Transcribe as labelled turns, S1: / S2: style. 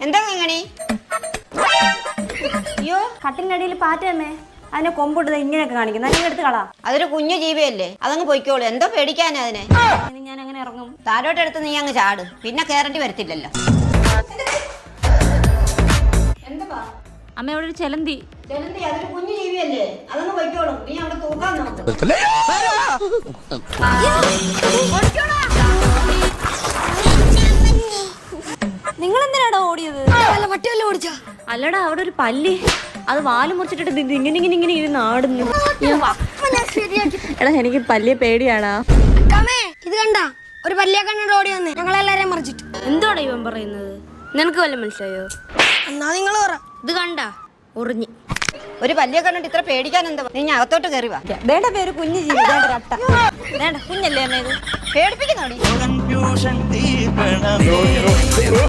S1: എന്താ കിങ്ങണി?
S2: അയ്യോ കട്ടിലിനടിയിൽ പാറ്റമ്മേ, അതിനെ കൊമ്പിട്ട് ഇങ്ങനെയൊക്കെ കാണിക്കുന്നു. അതിനെ എടുത്ത് കളാ.
S1: അതൊരു കുഞ്ഞു ജീവിയല്ലേ, അതങ്ങ് പൊയ്ക്കോളൂ. എന്തോ പേടിക്കാനാ അതിനെ?
S2: ഇനി ഞാൻ അങ്ങനെ ഇറങ്ങും.
S1: താഴോട്ടെടുത്ത് നീ അങ്ങ് ചാട്, പിന്നെ കേറേണ്ടി വരത്തില്ലല്ലോ.
S2: അമ്മ അവിടെ ഒരു ചെലന്തി.
S1: അതൊരു കുഞ്ഞു ജീവിയല്ലേ, അതങ്ങ് പൊയ്ക്കോളും. നീ അവിടെ തൂക്കാൻ നോക്കും.
S2: നിങ്ങൾ എന്തിനാടാ ഓടിയത്?
S3: പട്ടിയല്ലേ ഓടിച്ചാ?
S2: അല്ലടാ അവിടെ ഒരു പല്ലി, അത് വാല് മുറിച്ചിട്ടിട്ട് ഇങ്ങനെ ഇങ്ങനെ ഇങ്ങനെ ഇരുന്ന് ആടുന്നു. എടാ എനിക്ക് പല്ലിയെ പേടിയാടാ.
S3: ഇത് കണ്ട ഒരു പല്ലിയെ കണ്ടിട്ട് ഓടി വന്നേ, ഞങ്ങളെല്ലാരെയും മറിച്ചിട്ട്.
S2: എന്തോടാ ഇവൻ പറയുന്നത്? നിനക്ക് വല്ല മനസ്സിലായോ?
S3: എന്നാ നിങ്ങൾ പറ.
S2: ഇത് കണ്ട ഉറിഞ്ഞ്.
S1: ഒരു പല്ലിയെ കണ്ടിട്ട് ഇത്ര പേടിക്കാൻ എന്താ? നീ അകത്തോട്ട് കയറി വാ.
S2: വേണ്ട പേര് കുഞ്ഞു ജീവി. വേണ്ട കുഞ്ഞല്ലേ അമ്മ ഇത്?
S1: പേടിപ്പിക്കുന്നോടി.